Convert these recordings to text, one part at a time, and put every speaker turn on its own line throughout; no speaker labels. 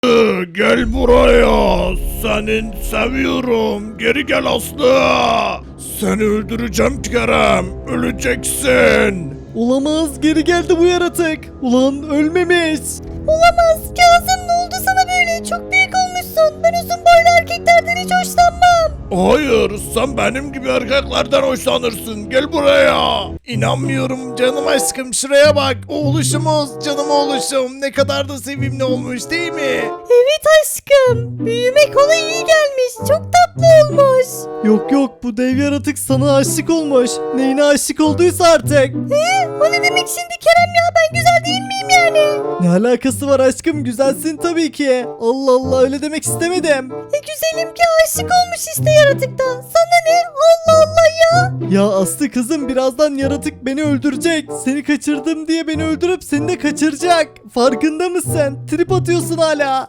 Gel buraya. Senin seviyorum. Geri gel Aslı. Seni öldüreceğim Kerem. Öleceksin.
Olamaz, geri geldi bu yaratık. Ulan ölmemiş.
Olamaz. Kazım, ne oldu sana böyle? Çok büyük olmuşsun. Ben uzun boylu erkeklerden hiç hoşlanmam.
Hayır, sen benim gibi erkeklerden hoşlanırsın. Gel buraya. İnanmıyorum canım aşkım. Şuraya bak. Oğluşumuz, canım oğluşum. Ne kadar da sevimli olmuş değil mi?
Evet aşkım. Büyümek ona iyi gelmiş. Çok tatlı olmuş.
Yok yok, bu dev yaratık sana aşık olmuş. Neyine aşık olduysa artık.
O ne demek şimdi Kerem ya? Ben güzel değil miyim yani?
Ne alakası var aşkım, güzelsin tabii ki. Allah Allah, öyle demek istemedim.
Güzelim ki aşık olmuş işte yaratıktan. Sana ne? Allah Allah ya.
Ya Aslı kızım, birazdan yaratık beni öldürecek. Seni kaçırdım diye beni öldürüp seni de kaçıracak. Farkında mısın? Trip atıyorsun hala.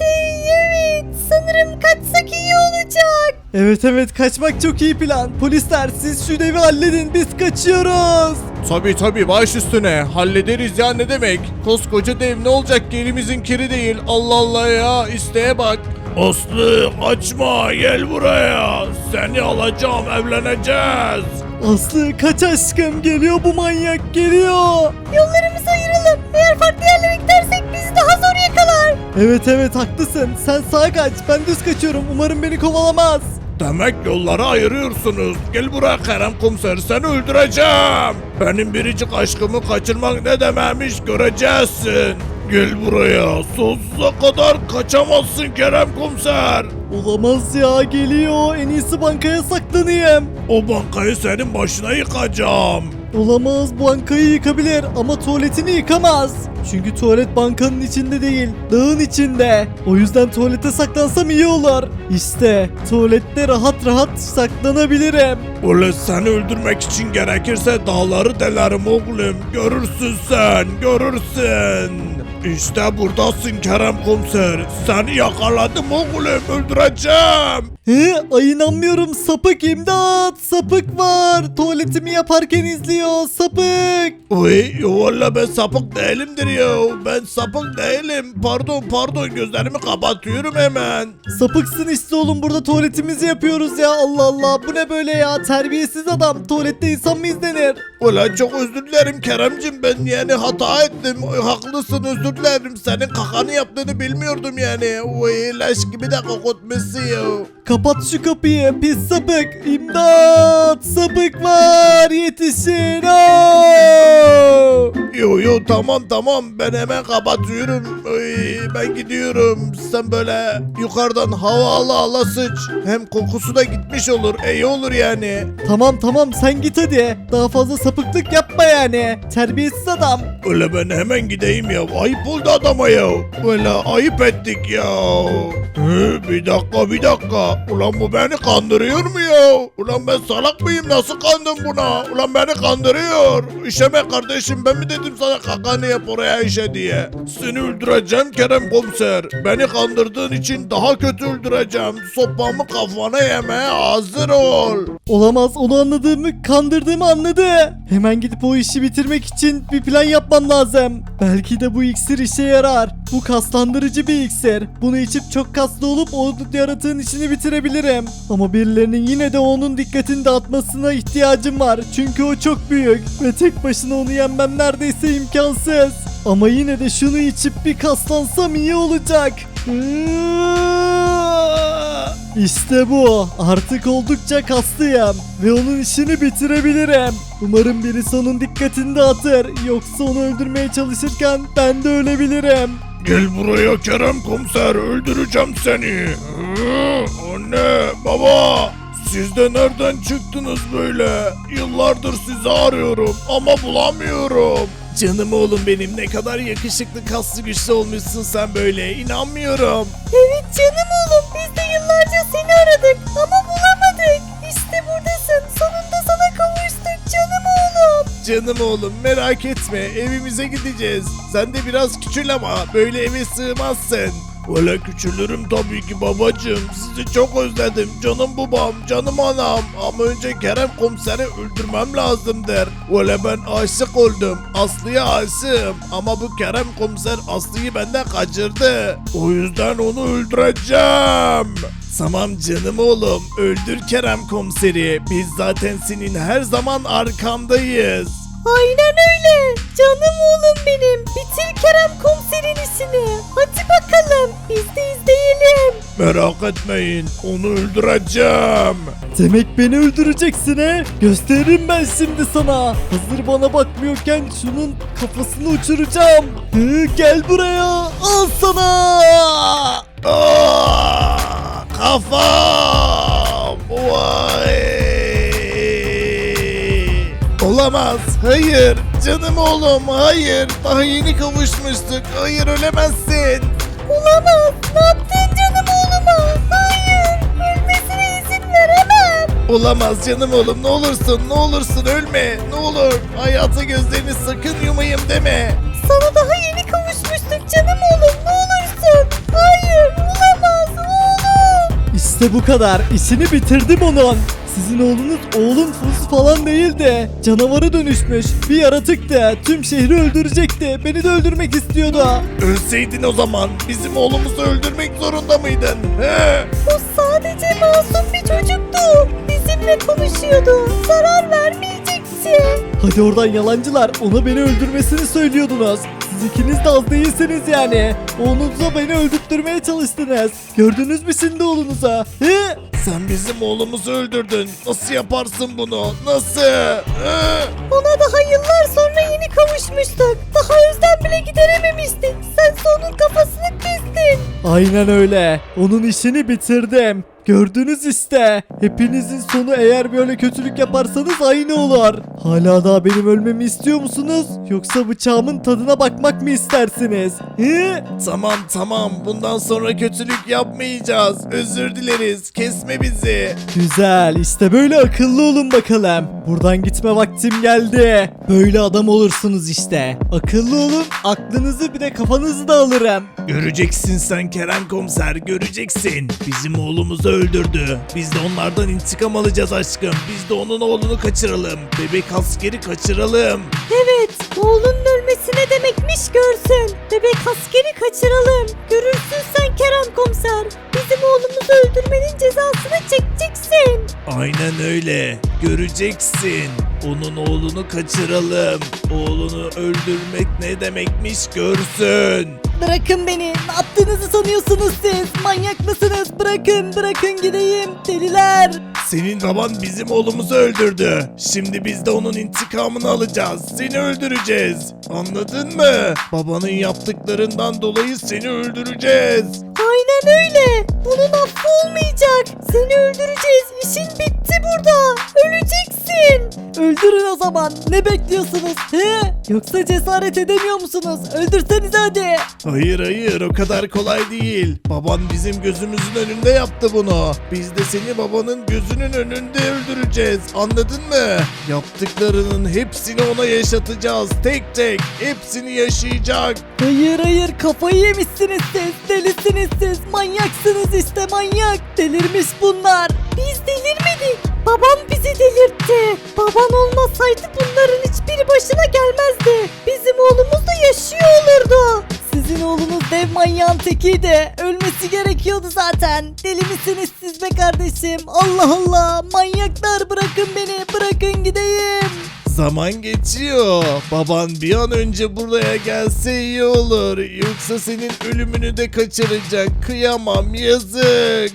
Evet. Sanırım kaçsak iyi olacak.
Evet evet, kaçmak çok iyi plan. Polisler, siz şu devi halledin, biz kaçıyoruz.
Tabii baş üstüne. Hallederiz ya, ne demek? Koskoca dev, ne olacak ki, elimizin kiri değil. Allah Allah ya, isteğe bak. Aslı kaçma, gel buraya. Seni alacağım, evleneceğiz.
Aslı kaç aşkım, geliyor bu manyak, geliyor.
Yollarımızı ayıralım. Eğer farklı yerlere gidersek bizi daha zor yakalar.
Evet haklısın, sen sağa kaç, ben düz kaçıyorum, umarım beni kovalamaz.
Demek yolları ayırıyorsunuz. Gel buraya Kerem komiser, seni öldüreceğim. Benim biricik aşkımı kaçırmak ne demekmiş göreceksin. Gel buraya, sonsuza kadar kaçamazsın Kerem komiser.
Olamaz ya, geliyor, en iyisi bankaya saklanayım.
O bankayı senin başına yıkacağım.
Olamaz, bankayı yıkabilir ama tuvaletini yıkamaz. Çünkü tuvalet bankanın içinde değil, dağın içinde. O yüzden tuvalete saklansam iyi olur. İşte tuvalette rahat rahat saklanabilirim.
Ulan seni öldürmek için gerekirse dağları delerim oğlum. Görürsün sen, görürsün. İşte buradasın Kerem komiser. Seni yakaladım oğlum, öldüreceğim.
Ay inanmıyorum, sapık, imdat, sapık var. Tuvaletimi yaparken izliyor, sapık.
Uy, valla ben sapık değilimdir ya. Ben sapık değilim. Pardon, gözlerimi kapatıyorum hemen.
Sapıksın işte oğlum, burada tuvaletimizi yapıyoruz ya, Allah Allah, bu ne böyle ya, terbiyesiz adam, tuvalette insan mı izlenir?
Ulan çok özür dilerim Keremcim, ben yani hata ettim. Haklısın, özür dilerim. Senin kakanı yaptığını bilmiyordum yani. Uy, leş gibi de kokutmuşsun ya.
Kapat şu kapıyı, pis sapık, imdat, sapık var, yetişin.
Yo tamam, ben hemen kapatıyorum. Uy, ben gidiyorum. Sen böyle yukarıdan hava ala sıç. Hem kokusu da gitmiş olur. İyi olur yani.
Tamam sen git hadi, daha fazla sapıklık yapma yani, terbiyesiz adam.
Öyle ben hemen gideyim ya. Ayıp oldu adama ya. Öyle ayıp ettik ya. Bir dakika. Ulan bu beni kandırıyor mu ya? Ulan ben salak mıyım? Nasıl kandım buna? Ulan beni kandırıyor. İşeme kardeşim, ben mi dedim sana kakanı yap oraya işe diye? Seni öldüreceğim Kerem komiser. Beni kandırdığın için daha kötü öldüreceğim. Sopamı kafana yemeye hazır ol.
Olamaz, onu anladığımı, kandırdığımı anladı. Hemen gidip o işi bitirmek için bir plan yapmam lazım. Belki de bu iksir işe yarar. Bu kaslandırıcı bir iksir. Bunu içip çok kaslı olup o yaratığın işini bitirebilirim. Ama birilerinin yine de onun dikkatini dağıtmasına ihtiyacım var. Çünkü o çok büyük ve tek başına onu yenmem neredeyse imkansız. Ama yine de şunu içip bir kaslansam iyi olacak. İşte bu. Artık oldukça kaslıyım ve onun işini bitirebilirim. Umarım birisi onun dikkatini dağıtır. Yoksa onu öldürmeye çalışırken ben de ölebilirim.
Gel buraya Kerem komiser, öldüreceğim seni. Anne, baba, siz de nereden çıktınız böyle? Yıllardır sizi arıyorum ama bulamıyorum. Canım oğlum benim, ne kadar yakışıklı, kaslı, güçlü olmuşsun sen böyle, inanmıyorum.
Evet canım oğlum. Biz de yıllarca seni aradık ama bulamadık. İşte buradasın. Sonunda sana kavuştuk canım oğlum.
Canım oğlum, merak etme, evimize gideceğiz. Sen de biraz küçül ama böyle eve sığmazsın. Öyle küçülürüm tabii ki babacığım. Sizi çok özledim. Canım babam, canım anam. Ama önce Kerem komiseri öldürmem lazımdır. Öyle ben aşık oldum. Aslı'ya aşığım. Ama bu Kerem komiser Aslı'yı benden kaçırdı. O yüzden onu öldüreceğim. Tamam canım oğlum. Öldür Kerem komiseri. Biz zaten senin her zaman arkandayız.
Aynen öyle. Canım oğlum benim. Bitir Kerem komiserin işini. Hadi bakalım biz de izleyelim.
Merak etmeyin. Onu öldüreceğim.
Demek beni öldüreceksin he? Gösteririm ben şimdi sana. Hazır bana bakmıyorken şunun kafasını uçuracağım. Gel buraya. Al sana.
Aa, kafam. Vay. Olamaz. Hayır. Canım oğlum. Hayır. Daha yeni kavuşmuştuk. Hayır ölemezsin.
Olamaz. Ne yaptın canım oğluma? Hayır. Ölmesine izin veremem.
Olamaz canım oğlum. Ne olursun. Ne olursun ölme. Ne olur. Hayata gözlerini sakın yumayım deme.
Sana daha yeni kavuşmuştuk canım oğlum. Ne olursun. Hayır. Olamaz oğlum.
İşte bu kadar. İşini bitirdim onun. Sizin oğlunuz oğlun Fuz falan değildi. Canavara dönüşmüş. Bir yaratıktı. Tüm şehri öldürecekti. Beni de öldürmek istiyordu.
Ölseydin o zaman bizim oğlumuzu öldürmek zorunda mıydın? He?
O sadece masum bir çocuktu. Bizimle konuşuyordu. Zarar vermeyecekti.
Hadi oradan yalancılar. Ona beni öldürmesini söylüyordunuz. Siz ikiniz de az değilsiniz yani. Oğlunuza beni öldürtmeye çalıştınız. Gördünüz mü şimdi oğlunuza? He?
Sen bizim oğlumuzu öldürdün. Nasıl yaparsın bunu? Nasıl? He?
Ona daha yıllar sonra yeni kavuşmuştuk. Daha özlem bile giderememiştik. Sen onun kafasını kestin.
Aynen öyle. Onun işini bitirdim. Gördünüz işte. Hepinizin sonu eğer böyle kötülük yaparsanız aynı olur. Hala daha benim ölmemi istiyor musunuz? Yoksa bıçağımın tadına bakmak mı istersiniz? He?
Tamam tamam. Bundan sonra kötülük yapmayacağız. Özür dileriz. Kesme bizi.
Güzel, işte böyle akıllı olun bakalım. Buradan gitme vaktim geldi. Böyle adam olursunuz işte. Akıllı olun, aklınızı bir de kafanızı da alırım.
Göreceksin sen Kerem komiser. Göreceksin. Bizim oğlumuzu öldürdü. Biz de onlardan intikam alacağız aşkım. Biz de onun oğlunu kaçıralım. Bebek askeri kaçıralım.
Evet, oğlunun ölmesi ne demekmiş görsün. Bebek askeri kaçıralım. Görürsün sen Kerem komiser. Bizim oğlumuzu öldürmenin cezasını çekeceksin.
Aynen öyle. Göreceksin. Onun oğlunu kaçıralım. Oğlunu öldürmek ne demekmiş görsün.
Bırakın beni. Ne yaptığınızı sanıyorsunuz siz? Manyak mısınız? Bırakın gideyim. Deliler.
Senin baban bizim oğlumuzu öldürdü. Şimdi biz de onun intikamını alacağız. Seni öldüreceğiz. Anladın mı? Babanın yaptıklarından dolayı seni öldüreceğiz.
Aynen öyle. Bunun affı olmayacak. Seni öldüreceğiz. İşin bitti burada. Öleceksin. Öldürün o zaman. Ne bekliyorsunuz? He? Yoksa cesaret edemiyor musunuz? Öldürsenize hadi.
Hayır o kadar kolay değil. Baban bizim gözümüzün önünde yaptı bunu. Biz de seni babanın gözünün önünde öldüreceğiz. Anladın mı? Yaptıklarının hepsini ona yaşatacağız. Tek tek. Hepsini yaşayacak.
Hayır kafayı yemişsiniz siz. Delisiniz siz. Manyaksınız işte manyak. Delirmiş bunlar. Biz delirmedik. Babam bizi delirtti. Baban olmasaydı bunların hiçbiri başına gelmezdi. Bizim oğlumuz da yaşıyor olurdu. Sizin oğlunuz dev manyağın tekiydi. Ölmesi gerekiyordu zaten. Deli misiniz siz be kardeşim? Allah Allah. Manyaklar bırakın beni. Bırakın gideyim.
Zaman geçiyor. Baban bir an önce buraya gelse iyi olur. Yoksa senin ölümünü de kaçıracak. Kıyamam yazık.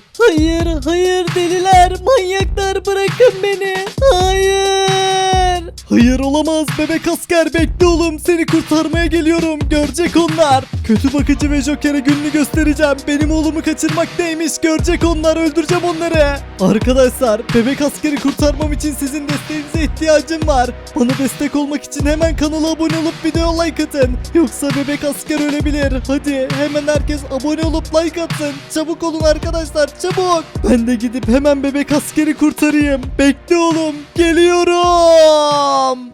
Hayır deliler. Manyaklar bırakın beni. Hayır.
Hayır olamaz bebek asker bekle oğlum seni kurtarmaya geliyorum görecek onlar. Kötü bakıcı ve Joker'e gününü göstereceğim. Benim oğlumu kaçırmak neymiş görecek onlar öldüreceğim onları. Arkadaşlar bebek askeri kurtarmam için sizin desteğinize ihtiyacım var. Bana destek olmak için hemen kanala abone olup video like atın. Yoksa bebek asker ölebilir. Hadi hemen herkes abone olup like atsın. Çabuk olun arkadaşlar çabuk. Ben de gidip hemen bebek askeri kurtarayım. Bekle oğlum geliyorum.